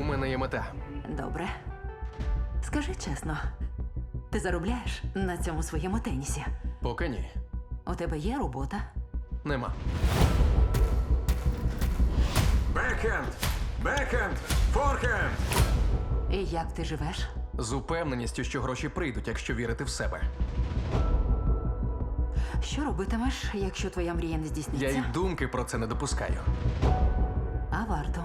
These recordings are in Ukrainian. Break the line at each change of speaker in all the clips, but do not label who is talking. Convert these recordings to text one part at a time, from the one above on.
мене є мета.
Добре. Скажи чесно, ти заробляєш на цьому своєму тенісі?
Поки ні.
У тебе є робота?
Нема.
Бекхенд! Бекхенд! Форхенд!
І як ти живеш?
З упевненістю, що гроші прийдуть, якщо вірити в себе.
Що робитимеш, якщо твоя мрія не
Я
здійсниться?
й думки про це не допускаю.
А варто.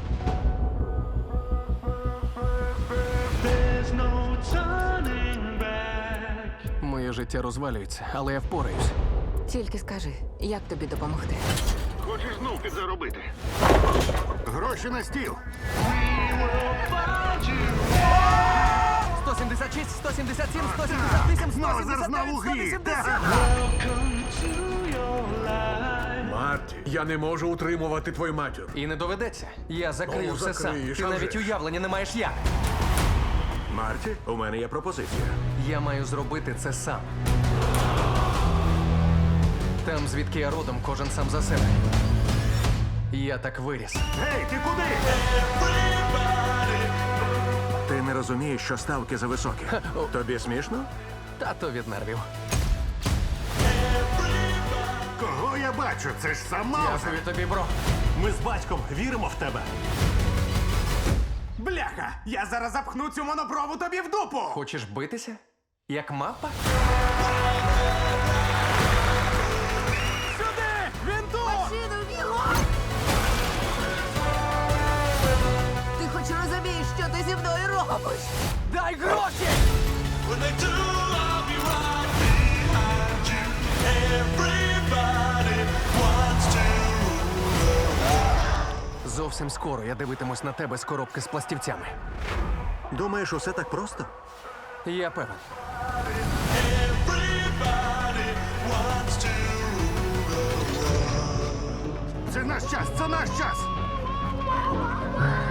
There's no turning back.
Моє життя розвалюється, але я впораюсь.
Тільки скажи, як тобі допомогти?
Хочеш знов підзаробити? Гроші на стіл.
176, 177, 178,
Знову зазнав у грі.
180.
Welcome to your life.
Марті, я не можу утримувати твою матір.
І не доведеться. Я закрию
Ну,
все сам.
закриєш,
Ти
а
навіть
вже ж.
уявлення не маєш як.
Марті, у мене є пропозиція.
Я маю зробити це сам. Там, звідки я родом, кожен сам за себе. Я так виріс.
Гей, ти куди?
Ти не розумієш, що ставки зависокі. Тобі смішно?
Тато від нервів.
Кого я бачу? Це ж сам Маузер.
Дякую тобі, бро.
Ми з батьком віримо в тебе.
Бляха! Я зараз запхну цю монопрову тобі в дупу!
Хочеш битися? Як мапа?
Сюди! Він тут!
Ти хоч розумієш, що ти зі мною робиш?
Дай гроші!
When they do, I'll be right behind you. Everybody wants to.
Зовсім скоро я дивитимусь на тебе з коробки з пластівцями.
Думаєш, усе так просто?
Я певен.
Everybody wants to.
Це наш час, це наш час.